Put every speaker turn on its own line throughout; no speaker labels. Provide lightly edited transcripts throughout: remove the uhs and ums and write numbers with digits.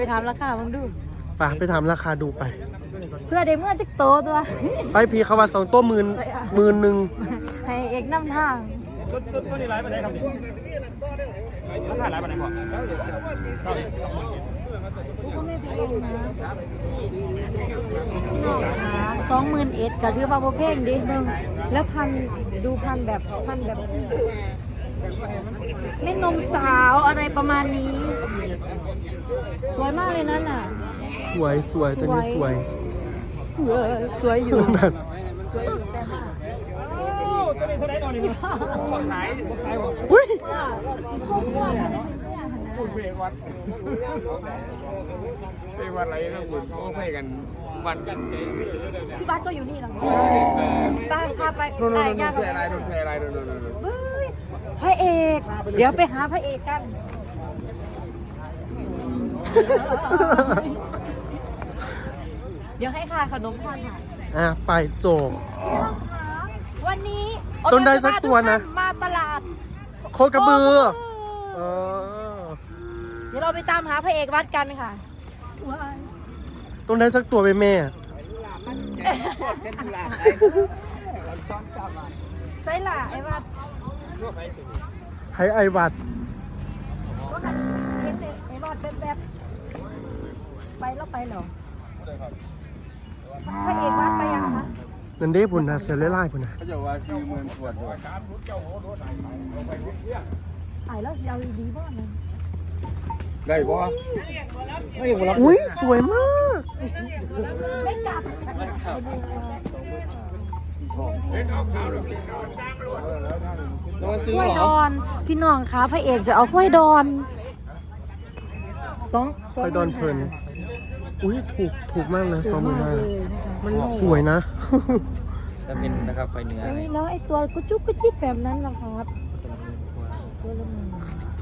ไปถามราคามึงดู
ไปถามราคาดูไป
เพื่อได้เมื่อจิกโตตัว
ไปพี่เขาว่า2 ตัว10,000
ให้เอกนำทาง
ตัวนี้ร้ายไปไหนครับราคาร้ายไปไหนก่อน
21,000ก็ถือว่าโบเพ่งดินึงแล้วดูพันแบบไม่นมสาวอะไรประมาณนี้ สวยมากเลยนั่นน่ะ
สวยตัวนี้สวย
สวยอยู่
นั่น
ตัวนี้เท่าไหร่ตอนนี้ขาย
อุ้ย
เววัดอะไรนะคุณเขาให้กันวันกัน
พี่บ้านก็อยู่นี่หรอป้าพาไป
โน่นใช่อะไรโน่น
พระเอก เดี๋ยวไปหาพระเอกกัน เดี๋ยวให้ค่ะขนมทานค่ะ
ไปโจก
วันนี้
ต้นได้สักตัวนะ
มาตลาด
โคกระบือ
เดี๋ยวเราไปตามหาพระเอกวัดกันค่ะ
ต้นได้สักตัวไปแม่
ใส่หล่ะไอ้วัด
ให้ไอวัด
ก็หันเห็นไอ้วัดแบบไปแล้วไปเหรอพระเอกวัดไปยังคะ
นั่นเด้พุ่นนะเสือไล่พุ่นนะ
เขาจะว่า40,000ขวดด้วย
ถ่ายแล้วยาวดีบ้างเลย
ได้บ่
อุ้ยสวยมาก
ไม่กลับ
ต้องซื้อก
ล้วย
เหร
ด
อ
อนพี่น้องคะพระเอกจะเอากล้วยดอนสอง
ไปดอนเพลินอุ้ยถูกมากเลย2,500มันสวยนะ
จะเป็นนะครับไฟเนื้อ
แล้วไอ้ตัวกุจุกกุจิบแบบนั้นล่ะครับตัวละ1,000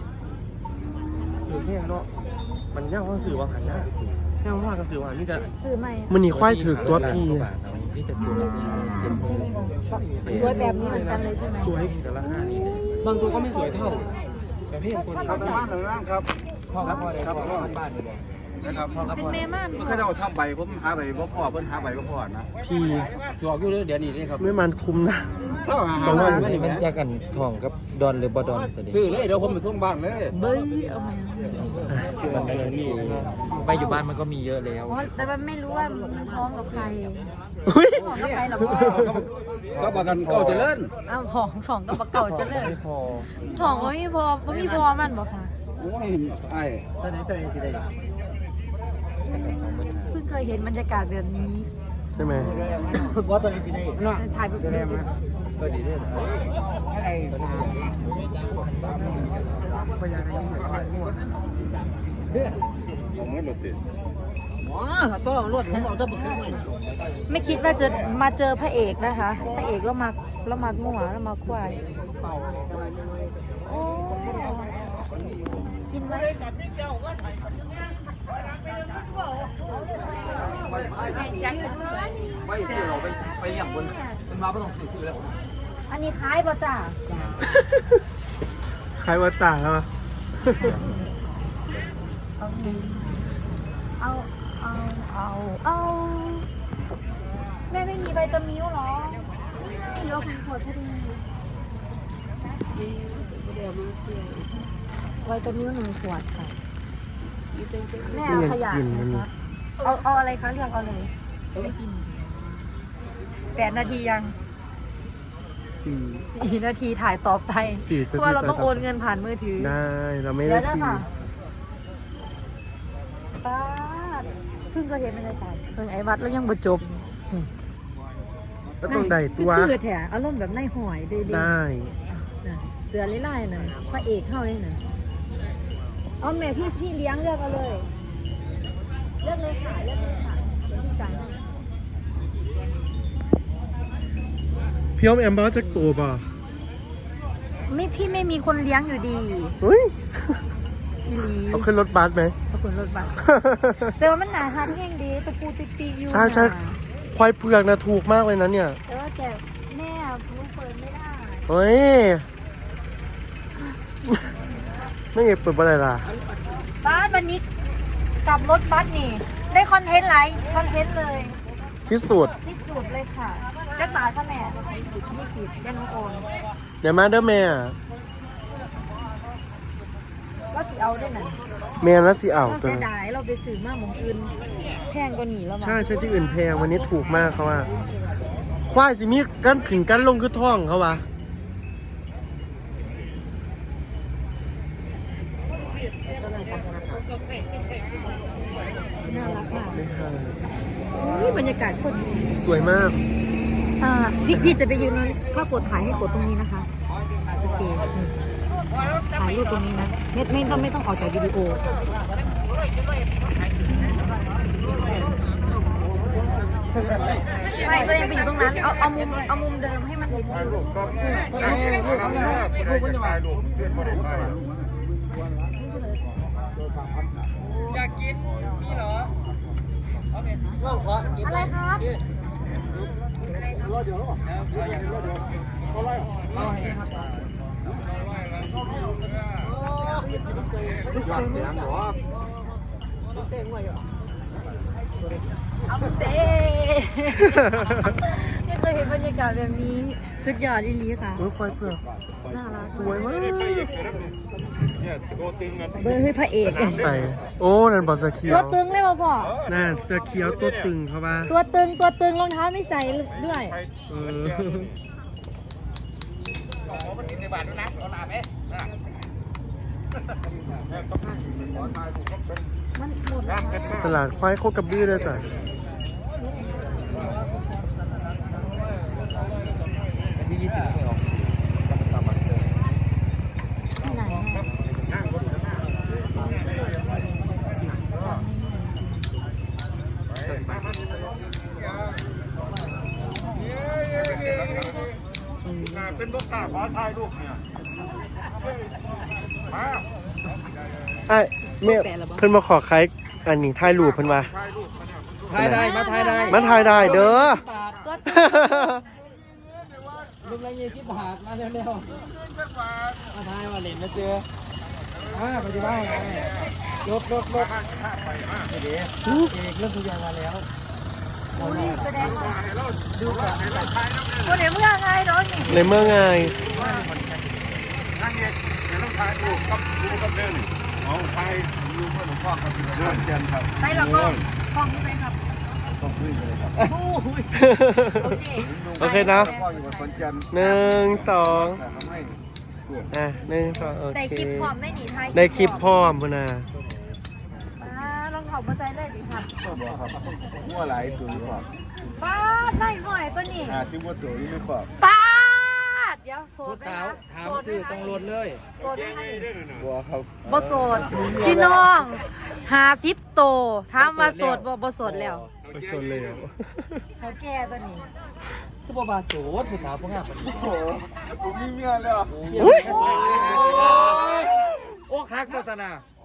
คือแค่เนาะมันย่างว่าสื่อว่าหันนะย่างว่ากับสื่อว่านี่จะ
ซื้อใหม่
มันนี่ควายถือตัวพี
นี่จะตัวละ4,000
สวยแบบนี้เหมือนกันเลยใช่ไหม
สวยแต่ราคานี้บางตัวก็ไม่สวยเท่าแต่พี่คน
ครับบ้านหลังนั้นครับครับบ้านนะครับ
เป็นเมม่าน
เขาจะเอาทำใบผมหาใบบ่พอเพิ่นหาใบบ่พอนะ
พี
สวกอยู่เดี๋ยวนี้นี่ครับ
ไม่มันคุ้มนะ
200
มันจะกันทองกับดอนหรือบ่ดอนสิ
ซื้อเลยเดี๋ยวผมไปส่งบ้านเลย
เบ้ยเอามา
มันเดือนที่ไปอยู่บ้านมันก็มีเยอะแล้ว
อ๋อแต่มันไม่รู้ว่ามันพร้อมกับใคร
อุ้ย
พร้อมกับใครหรอพ่อ
ก็บอกกันเก่าเจริญ
อ้าวของกับปลาเก่าจะเลย
ไม่พอ
ของก็ไม่พอก็มีพอมันบอกค่ะ
โอ้ยไอ้ตอนไหนสิได้
เพิ่งเคยเห็นบรรยากาศแบบนี้
ใช่ไหม
ว่าตอนไหนสิได้
ถ่ายไปเลย
ก็ดีด้วย
ผมไม่รถติดก็รถผมเอาตะบึกขึ้นมา
ไม่คิดว่าจะมาเจอพระเอกนะคะพระเอกแล้วมางัวแล้วมาควายโอ้กินไหม
ไม่ที่เราไปเลี้ยงบนมันมาไม่ต้องซื้อแล้ว
อันนี้คล้ายป่ะจ้า
ใครว่าจ่างอะ
เอาแม่ไม่มีใบตะมิ้วหรอเดี๋ยวคุณขวดพอดีใบตะมิ้ว1 ขวดค่ะแม่เอาขยะนะคะเอาอะไรคะเรียกเอาเลยไม่กิน8 นาทียัง 4 นาทีถ่ายต่อไป
4
เพราะว่าเราต้องโอนเงินผ่านมือถือ
ได้เราไม่
เดี๋
ได้
ยวนะ
สี่
ค่ะป้าดเพิ่งก็เห็นบรรยากาศเพิ่งไอ้วัดแล้วยังบ่จบ
ก็ต้องได้ตัว
คือแถอารมณ์แบบในหอยดี
ได้
เสือไล่ๆน่ะพระเอกเข้าเลยน่ะเอาแม่พี่เลี้ยงเลือกเอาเลยเลือกเลยค่ะเลือกเลยค่ะเดี๋ยวพี่จ่ายให้
พี่อ้อมแอมบ้าจากตัวป่ะ
พี่ไม่มีคนเลี้ยงอยู่ดี
เฮ้ย
อีหลี
เอาขึ้นรถบัสไหม
ขอบคุณรถบัสแต่ว่ามันหนาทานแห้งดีตะปูติกๆอยู่
ใช่
น่ะ
ควายเผือกนะถูกมากเลยนะเนี่ย
แต่ว่าแต่แม่ลูกเปิดไม่ได้
เฮ้ย ไม่เก็บเปิดอะไรล่ะ
ป้าดวันนี้กับรถบัสนี่ ได้คอนเทนต์หลายคอนเทนต์เลย
ที่สุด
ที่สุดเลยค่ะจักบาทค่ะแม่20ยันน้องโอน
เดี๋ยวมาเด้อแม่
ก็สิเอาได้หน่อย
แม่แล้วสิเอา
เรา
ตัว
เสียดายเราไปซื้อมาหมองอื่นแพงกว่านี้แล้วมั้ง
ใช่ใช่ที่อื่นแพงวันนี้ถูกมากเขาว่าควายสิมีกันขึ้นกันลงคือท่องเขาว่า
น่ารักมาก
ไม่ห่าง
นี่บรรยากาศโคตรดี
สวยมาก
พี่จะไปยืนถ้ากดถ่ายให้กดตรงนี้นะคะโอเคนี่ถ่ายรูปตรงนี้นะไม่ต้องออกจากวิดีโอไม่ตัวเองไปอยู่ตรงนั้นเอามุมเดิมให้มันเห็นวิว
อยากกินนี่เหรอว่าขอกิน
อะไรครับ
สวยมาก
เอาเต้ไม่เคยเห็นบรรยากาศแบบนี้สุดยอดอีหลีค่ะ
โอ้ยควายเผือก
น่ารัก
สวยมาก
เนี่ยตัวตึงอ่ะ
เบอร์ให้พระเอก
ใส่โอ้นั่นบอสเขีย
ตัว วตึงเลยป่ะพ่อ
น่าเสื้อเขียวตัวตึงเขาว่า
ตัวตึงรองเท้าไม่ใส่ด้วย
เออ
มันหมด
ตลาดควายโคกระบือเลยจ้ะ
ที่20ไม่ออก
ที่ไหนอะ
เป็นลูกตาขอถ่ายรูปเนี่ยมา
ไอ้แม่เพิ่นมาขอขายอันนี้ถ่ายรูปเพิ่นว่า
ถ่ายรูปมาเนี่ย
ถ่ายได้มาถ่ายได้
มาถ่ายได้เด้อ
ตัวตึง
ลูกละ20 บาทมาเร็วๆมาถ่ายมาเล่นนะเจอไปที่บ้านรถเดี๋ยวเอกเริ่มทุกอย่างมาแล้ว
อุ้ยแสดงว่าคนไหนเมื่อไงเนาะนี่
ในเมื่อไง
นั่นเนี่ยเดี๋ยวต้องถ่ายรูปกับดูกับเดินเอาถ่ายรูปกับหลวงพ่อกับเดินเจนครับ
ไปหรอกก็ห้องนี้ไปครับ
ต้องขึ้นเลยครับ
โอ้ยโอเค
โอเคนะ
พ่ออยู่กับคนจันทร์
1 2
แต่ทำให้
อ่ะ1 2โอ
ได้
เค
คลิปพร้อมได้หนีไทย
ได้คลิปพร้อมพุ่นน่ะ
ลองเผามาใจได้ดิครับ
ก็บอกครับมั่วหลายตัวหรือเปล่า
ป้าดได้หน่อยป่ะนี่
ชื่อว่าตัวนี้หรือเปล่า
ป้าดเดี๋ยวโส
ผู้
ดไหม
สาว
คะ
ถามซื้อต้องรถเลย
โสดไหมคะนี่
บัวครับ
บ่โสดพี่น้อง50โตถามมาโสดบ่โสดแล้ว
ไปสนเลยอ่ะ
เขาแก่ตัวนี้
คือบ่บาโสดผู้สาวพวกงามปานนี้
โอ้โหผมมีเมียแล้ว
อุ๊ย
โอ้คักโฆษณา